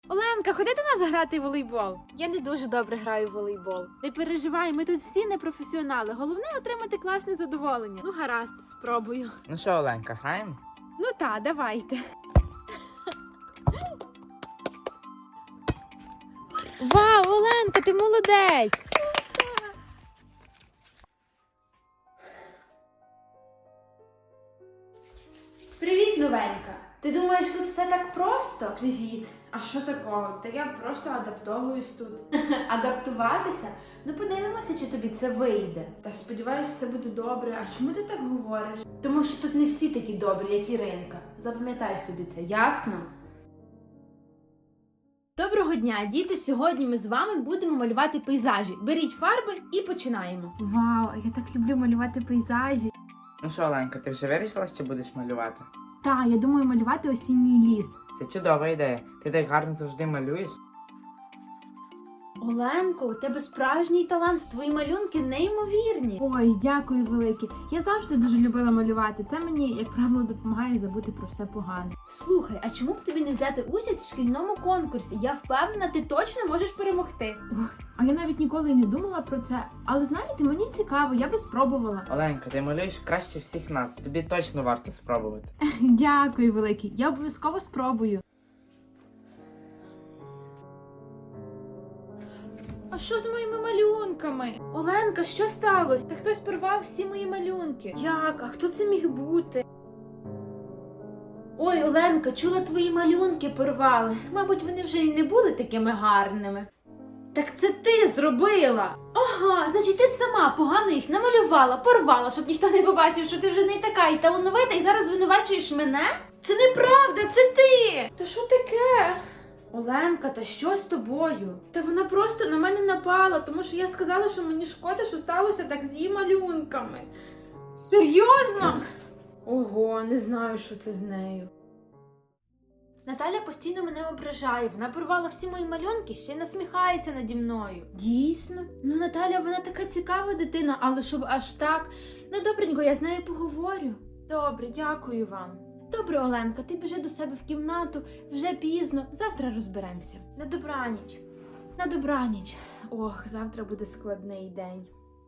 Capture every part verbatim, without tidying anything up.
Оленка, ходи до нас грати в волейбол. Я не дуже добре граю в волейбол. Не переживай, ми тут всі не професіонали. Головне отримати класне задоволення. Ну гаразд, спробую. Ну що, Оленка, граємо? Ну та, давайте. Вау, Оленка, ти молодець! Привіт, новенька! Ти думаєш, тут все так просто? Привіт! А що такого? Та я просто адаптовуюсь тут. Адаптуватися? Ну подивимося, чи тобі це вийде. Та сподіваюся, все буде добре. А чому ти так говориш? Тому що тут не всі такі добрі, як Іринка. Запам'ятай собі це, ясно? Доброго дня, діти! Сьогодні ми з вами будемо малювати пейзажі. Беріть фарби і починаємо. Вау, я так люблю малювати пейзажі. Ну що, Оленка, ти вже вирішила, що будеш малювати? Так, я думаю малювати осінній ліс. Це чудова ідея. Ти так гарно завжди малюєш. Оленко, у тебе справжній талант, твої малюнки неймовірні. Ой, дякую велике. Я завжди дуже любила малювати. Це мені, як правило, допомагає забути про все погане. Слухай, а чому б тобі не взяти участь в шкільному конкурсі? Я впевнена, ти точно можеш перемогти. Ой, а я навіть ніколи не думала про це. Але знаєте, мені цікаво, я би спробувала. Оленка, ти малюєш краще всіх нас. Тобі точно варто спробувати. Дякую велике. Я обов'язково спробую. А що з моїми малюнками? Оленка, що сталося? Та хтось порвав всі мої малюнки. Як? А хто це міг бути? Ой, Оленка, чула, твої малюнки порвали. Мабуть, вони вже й не були такими гарними. Так це ти зробила. Ага, значить ти сама погано їх намалювала, порвала, щоб ніхто не побачив, що ти вже не така і талановита, і зараз звинувачуєш мене? Це неправда, це ти! Та що таке? Оленка, та що з тобою? Та вона просто на мене напала, тому що я сказала, що мені шкода, що сталося так з її малюнками. Серйозно? Ого, не знаю, що це з нею. Наталя постійно мене ображає, вона порвала всі мої малюнки, ще й насміхається наді мною. Дійсно? Ну, Наталя, вона така цікава дитина, але щоб аж так. Ну, добренько, я з нею поговорю. Добре, дякую вам. Добре, Оленка, ти біжи до себе в кімнату, вже пізно, завтра розберемося. На добраніч. На добраніч. Ох, завтра буде складний день.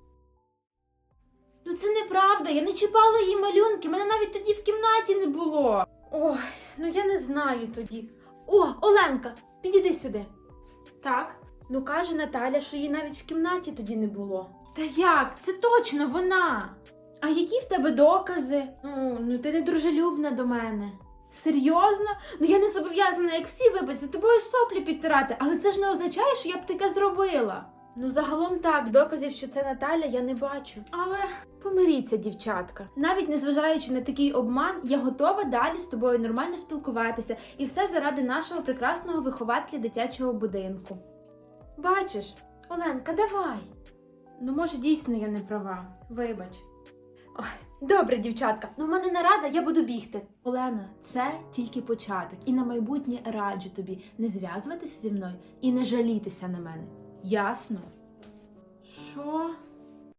Ну це неправда, я не чіпала її малюнки, мене навіть тоді в кімнаті не було. Ой, ну я не знаю тоді. О, Оленка, підійди сюди. Так, ну каже Наталя, що її навіть в кімнаті тоді не було. Та як? Це точно вона! А які в тебе докази? Ну, ну ти не дружелюбна до мене. Серйозно? Ну я не зобов'язана, як всі, вибач, за тобою соплі підтирати, але це ж не означає, що я б таке зробила. Ну загалом так, доказів, що це Наталя, я не бачу. Але помиріться, дівчатка. Навіть незважаючи на такий обман, я готова далі з тобою нормально спілкуватися. І все заради нашого прекрасного вихователя дитячого будинку. Бачиш? Оленка, давай. Ну може дійсно я не права. Вибач. Ой, добре, дівчатка, ну в мене нарада, я буду бігти. Олена, це тільки початок. І на майбутнє раджу тобі не зв'язуватися зі мною і не жалітися на мене. Ясно? Що?